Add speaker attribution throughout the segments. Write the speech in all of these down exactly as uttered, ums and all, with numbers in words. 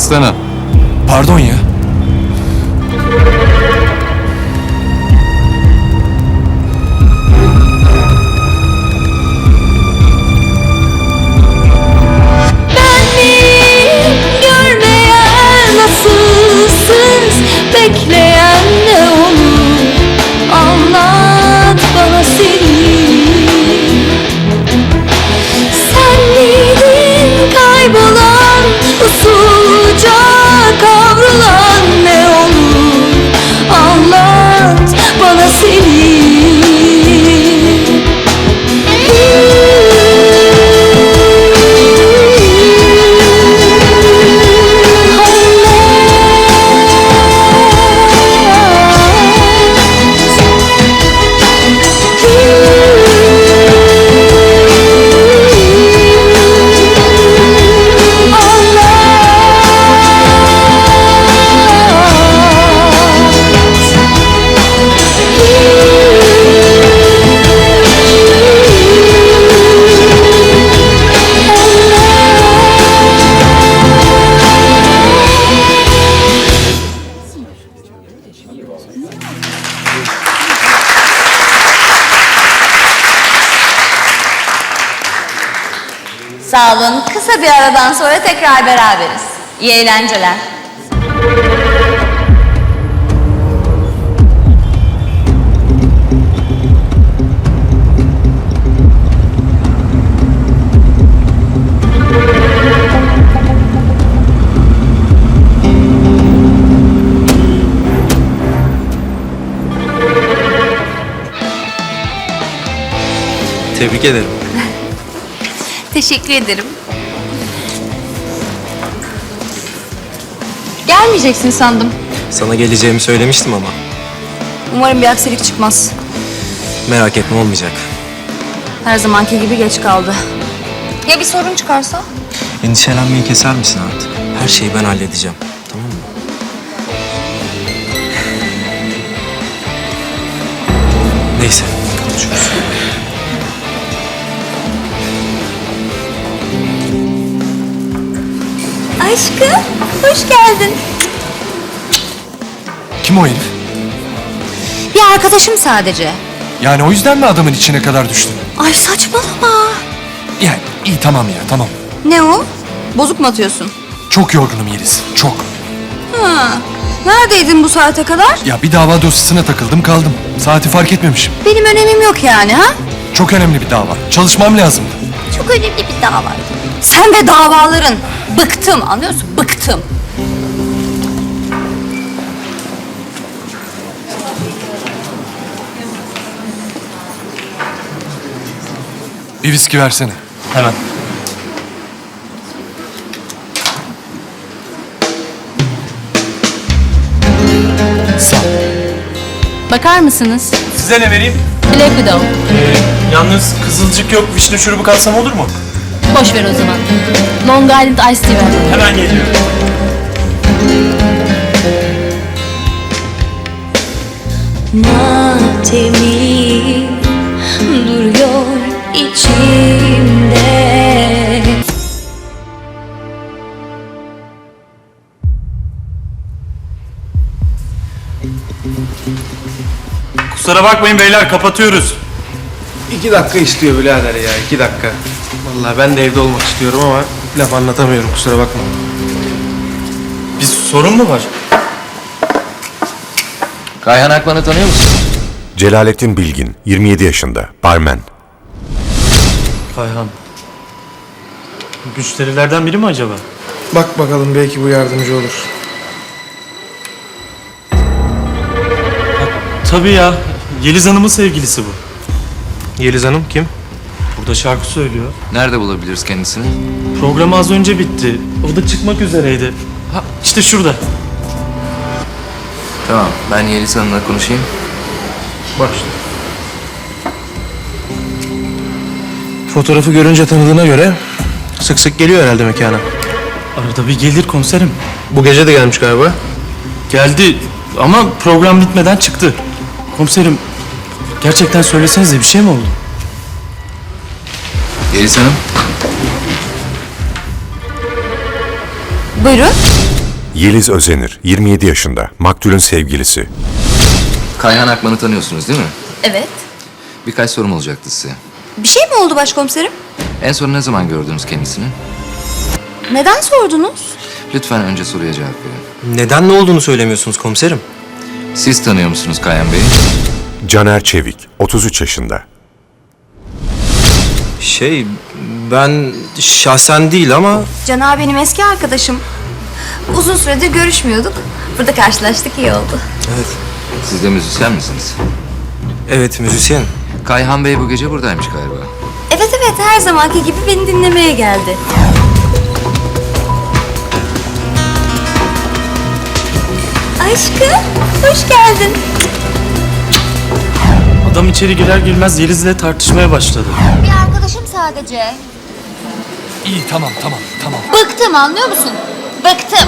Speaker 1: baksana.
Speaker 2: Pardon ya.
Speaker 3: Görmeyen nasılsınız, bekleyen ne olur, anlat bana seni. Sen miydin kaybolan, usulca kavrulan ne olur, anlat bana seni.
Speaker 4: Sağ olun. Kısa bir aradan sonra tekrar beraberiz. İyi eğlenceler.
Speaker 5: Tebrik ederim.
Speaker 4: Teşekkür ederim. Gelmeyeceksin sandım.
Speaker 5: Sana geleceğimi söylemiştim ama.
Speaker 4: Umarım bir aksilik çıkmaz.
Speaker 5: Merak etme, olmayacak.
Speaker 4: Her zamanki gibi geç kaldı. Ya bir sorun çıkarsa?
Speaker 5: Endişelenmeyi keser misin artık? Her şeyi ben halledeceğim. Tamam mı? Neyse, konuşuruz.
Speaker 4: Aşkım, hoş geldin.
Speaker 2: Kim o herif?
Speaker 4: Bir arkadaşım sadece.
Speaker 2: Yani o yüzden mi adamın içine kadar düştün?
Speaker 4: Ay saçmalama.
Speaker 2: Yani iyi tamam ya tamam.
Speaker 4: Ne o? Bozuk mu atıyorsun?
Speaker 2: Çok yorgunum Yeliz. Çok.
Speaker 4: Ha. Neredeydin bu saate kadar?
Speaker 2: Ya bir dava dosyasına takıldım kaldım. Saati fark etmemişim.
Speaker 4: Benim önemim yok yani ha?
Speaker 2: Çok önemli bir dava. Çalışmam lazımdı.
Speaker 4: Çok önemli bir dava. Sen ve davaların. Bıktım, anlıyor musun? Bıktım.
Speaker 2: Bir viski versene.
Speaker 5: Hemen.
Speaker 2: Sağ ol.
Speaker 6: Bakar mısınız?
Speaker 7: Size ne vereyim?
Speaker 6: Black Widow.
Speaker 7: Ee, yalnız kızılcık yok, vişne şurubu katsam olur mu?
Speaker 6: Boş ver o zaman. Long Island Iced Tea ver.
Speaker 7: Hemen geliyor.
Speaker 3: Matemi duruyor içimde.
Speaker 7: Kusura bakmayın beyler, kapatıyoruz.
Speaker 8: İki dakika istiyor birader ya, iki dakika. Vallahi ben de evde olmak istiyorum ama laf anlatamıyorum, kusura bakma.
Speaker 7: Bir sorun mu var?
Speaker 1: Kayhan Akman'ı tanıyor musun?
Speaker 9: Celalettin Bilgin, yirmi yedi yaşında, barmen.
Speaker 7: Kayhan. Müşterilerden biri mi acaba?
Speaker 8: Bak bakalım, belki bu yardımcı olur.
Speaker 7: Tabii ya, Yeliz Hanım'ın sevgilisi bu.
Speaker 8: Yeliz Hanım kim?
Speaker 7: Burada şarkı söylüyor.
Speaker 1: Nerede bulabiliriz kendisini?
Speaker 7: Program az önce bitti. O da çıkmak üzereydi. Ha, işte şurada.
Speaker 1: Tamam, ben Yeliz Hanım'la konuşayım.
Speaker 8: Bak işte. Fotoğrafı görünce tanıdığına göre sık sık geliyor herhalde mekana.
Speaker 7: Arada bir gelir komiserim.
Speaker 8: Bu gece de gelmiş galiba.
Speaker 7: Geldi ama program bitmeden çıktı. Komiserim, gerçekten söylesenize, bir şey mi oldu?
Speaker 1: Yeliz Hanım.
Speaker 4: Buyurun.
Speaker 9: Yeliz Özenir, yirmi yedi yaşında, maktulün sevgilisi.
Speaker 1: Kayhan Akman'ı tanıyorsunuz değil mi?
Speaker 4: Evet.
Speaker 1: Birkaç sorum olacaktı size.
Speaker 4: Bir şey mi oldu başkomiserim?
Speaker 1: En son ne zaman gördünüz kendisini?
Speaker 4: Neden sordunuz?
Speaker 1: Lütfen önce soruya cevap verin.
Speaker 5: Neden ne olduğunu söylemiyorsunuz komiserim?
Speaker 1: Siz tanıyor musunuz Kayhan Bey'i?
Speaker 9: Caner Çevik, otuz üç yaşında.
Speaker 5: Şey, ben şahsen değil ama...
Speaker 4: Can abi benim eski arkadaşım. Uzun süredir görüşmüyorduk. Burada karşılaştık, iyi oldu.
Speaker 5: Evet,
Speaker 1: Siz de müzisyen misiniz?
Speaker 5: evet müzisyen.
Speaker 1: Kayhan Bey bu gece buradaymış galiba.
Speaker 4: Evet evet, her zamanki gibi beni dinlemeye geldi. Aşkım, hoş geldin.
Speaker 7: Adam içeri girer girmez Yeliz'le tartışmaya başladı.
Speaker 4: Bir arkadaşım sadece.
Speaker 2: İyi tamam tamam tamam.
Speaker 4: Bıktım, anlıyor musun? Bıktım.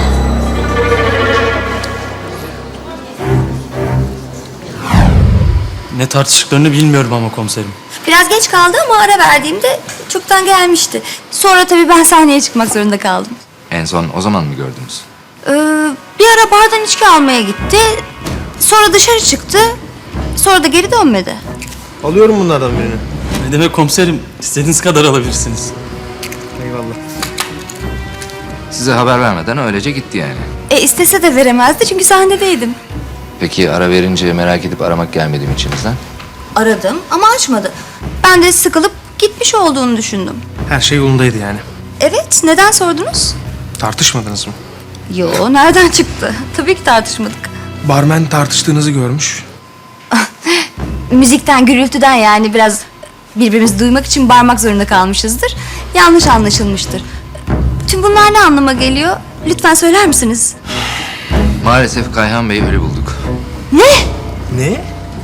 Speaker 7: Ne tartıştıklarını bilmiyorum ama komiserim.
Speaker 4: Biraz geç kaldı ama ara verdiğimde çoktan gelmişti. Sonra tabii ben sahneye çıkmak zorunda kaldım.
Speaker 1: En son o zaman mı gördünüz?
Speaker 4: Ee, bir ara bardan içki almaya gitti. Sonra dışarı çıktı. Sonra da geri dönmedi.
Speaker 8: Alıyorum bunlardan birini.
Speaker 7: Ne demek komiserim? İstediğiniz kadar alabilirsiniz.
Speaker 8: Eyvallah.
Speaker 1: Size haber vermeden öylece gitti yani.
Speaker 4: E istese de veremezdi çünkü sahnedeydim.
Speaker 1: Peki ara verince merak edip aramak gelmedi mi içinizden?
Speaker 4: Aradım ama açmadı. Ben de sıkılıp gitmiş olduğunu düşündüm.
Speaker 8: Her şey yolundaydı yani.
Speaker 4: Evet, neden sordunuz?
Speaker 8: Tartışmadınız mı?
Speaker 4: Yo, nereden çıktı? Tabii ki tartışmadık.
Speaker 8: Barmen tartıştığınızı görmüş.
Speaker 4: Müzikten, gürültüden yani biraz birbirimizi duymak için bağırmak zorunda kalmışızdır. Yanlış anlaşılmıştır. Tüm bunlar ne anlama geliyor? Lütfen söyler misiniz?
Speaker 1: Maalesef Kayhan Bey'i ölü bulduk.
Speaker 4: Ne?
Speaker 8: Ne?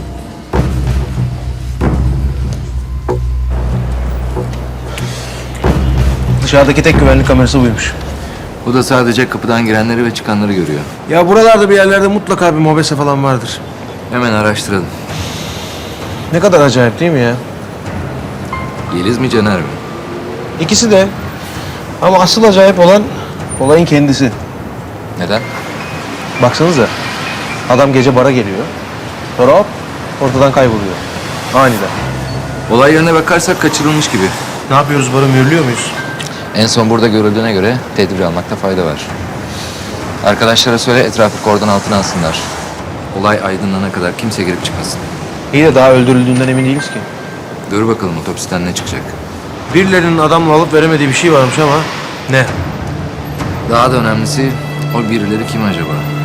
Speaker 8: Dışarıdaki tek güvenlik kamerası buymuş.
Speaker 1: Bu da sadece kapıdan girenleri ve çıkanları görüyor.
Speaker 8: Ya buralarda bir yerlerde mutlaka bir mobese falan vardır.
Speaker 1: Hemen araştıralım.
Speaker 8: Ne kadar acayip değil mi ya?
Speaker 1: Yeliz mi Caner mi?
Speaker 8: İkisi de. Ama asıl acayip olan olayın kendisi.
Speaker 1: Neden?
Speaker 8: Baksanıza. Adam gece bara geliyor. Sonra hop ortadan kayboluyor. Aniden.
Speaker 1: Olay yerine bakarsak kaçırılmış gibi.
Speaker 8: Ne yapıyoruz, barı mühürlüyor muyuz?
Speaker 1: En son burada görüldüğüne göre tedbir almakta fayda var. Arkadaşlara söyle etrafı kordon altına alsınlar. Olay aydınlanana kadar kimse girip çıkmasın.
Speaker 8: İyi de daha öldürüldüğünden emin değiliz ki.
Speaker 1: Dur bakalım otopsiden ne çıkacak.
Speaker 8: Birilerinin adamla alıp veremediği bir şey varmış ama ne?
Speaker 1: Daha da önemlisi o birileri kim acaba?